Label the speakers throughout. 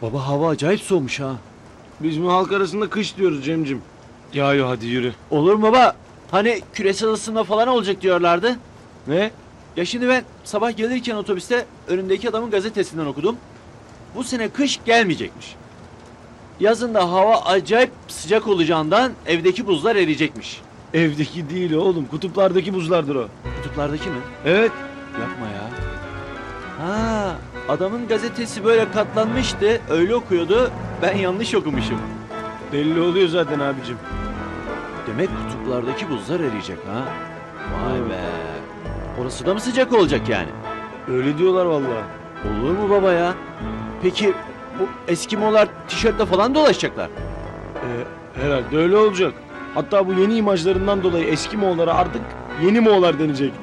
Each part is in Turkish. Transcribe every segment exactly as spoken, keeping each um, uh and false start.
Speaker 1: Baba hava acayip soğumuş ha.
Speaker 2: Biz bu halk arasında kış diyoruz Cemcim.
Speaker 3: Yağıyor, hadi yürü.
Speaker 1: Olur mu baba? Hani küresel ısınma falan olacak diyorlardı.
Speaker 2: Ne?
Speaker 1: Ya şimdi ben sabah gelirken otobüste önündeki adamın gazetesinden okudum. Bu sene kış gelmeyecekmiş. Yazın da hava acayip sıcak olacağından evdeki buzlar eriyecekmiş.
Speaker 2: Evdeki değil oğlum. Kutuplardaki buzlardır o.
Speaker 1: Kutuplardaki mi?
Speaker 2: Evet.
Speaker 1: Yapma ya. Ha, adamın gazetesi böyle katlanmıştı, öyle okuyordu. Ben yanlış okumuşum.
Speaker 2: Belli oluyor zaten abicim.
Speaker 1: Demek kutuplardaki buzlar eriyecek ha. Vay be. Orası da mı sıcak olacak yani?
Speaker 2: Öyle diyorlar vallahi.
Speaker 1: Olur mu baba ya? Peki bu Eskimolar tişörtle falan dolaşacaklar.
Speaker 2: Ee, herhalde öyle olacak. Hatta bu yeni imajlarından dolayı eski Moğollara artık yeni Moğollar denecek.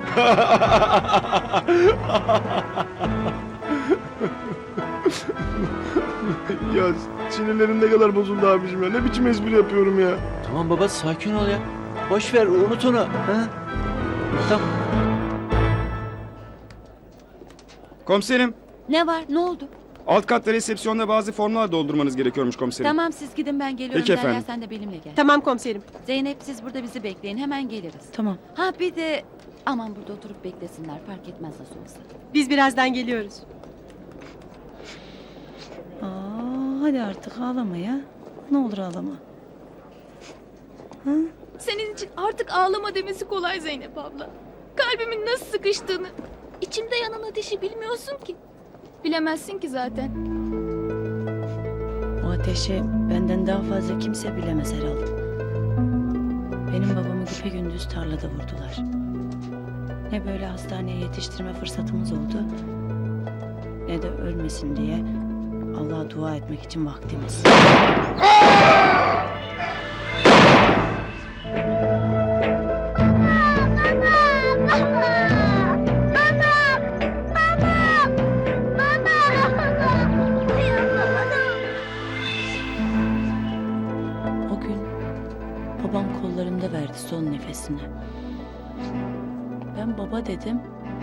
Speaker 2: Ya sinirlerim ne kadar bozuldu abicim ya. Ne biçim espri yapıyorum ya.
Speaker 1: Tamam baba sakin ol ya. Boş ver unut onu. Ha? Tamam.
Speaker 4: Komiserim,
Speaker 5: Ne var? Ne oldu?
Speaker 4: alt katta resepsiyonda bazı formlar doldurmanız gerekiyormuş komiserim.
Speaker 5: Tamam siz gidin ben geliyorum.
Speaker 4: Peki
Speaker 5: Derya
Speaker 4: efendim.
Speaker 5: sen de benimle gel.
Speaker 6: Tamam komiserim.
Speaker 5: Zeynep siz burada bizi bekleyin. Hemen geliriz.
Speaker 6: Tamam.
Speaker 5: Ha bir de aman burada oturup beklesinler. Fark etmez nasıl olsa.
Speaker 6: Biz birazdan geliyoruz.
Speaker 7: Aa, hadi artık ağlama ya. Ne olur ağlama.
Speaker 8: Senin için artık ağlama demesi kolay Zeynep abla. Kalbimin nasıl sıkıştığını, içimde yanan ateşi bilmiyorsun ki. Bilemezsin ki zaten.
Speaker 7: O ateşi benden daha fazla kimse bilemez Erol. Benim babamı güpegündüz tarlada vurdular. Ne böyle hastaneye yetiştirme fırsatımız oldu, ne de ölmesin diye Allah'a dua etmek için vaktimiz. O gün babam kollarımda verdi son nefesini. Ben baba dedim.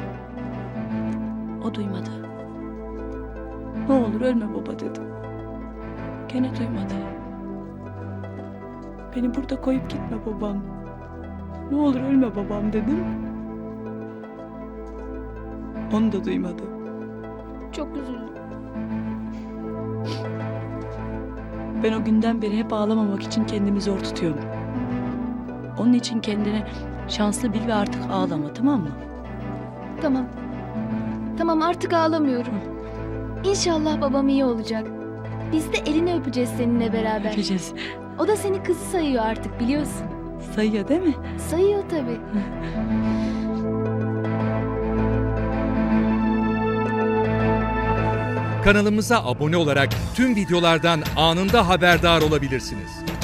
Speaker 7: O duymadı. Ne olur ölme baba dedim. Gene duymadı. Beni burada koyup gitme babam. Ne olur ölme babam dedim. Onu da duymadı.
Speaker 8: Çok üzüldüm.
Speaker 7: Ben o günden beri hep ağlamamak için kendimi zor tutuyorum. Onun için kendini şanslı bil ve artık ağlama, tamam mı?
Speaker 8: Tamam. Tamam artık ağlamıyorum. İnşallah babam iyi olacak. Biz de elini öpeceğiz seninle beraber.
Speaker 7: Öpeceğiz.
Speaker 8: O da seni kızı sayıyor artık biliyorsun.
Speaker 7: Sayıyor değil mi?
Speaker 8: Sayıyor tabii.
Speaker 9: Kanalımıza abone olarak tüm videolardan anında haberdar olabilirsiniz.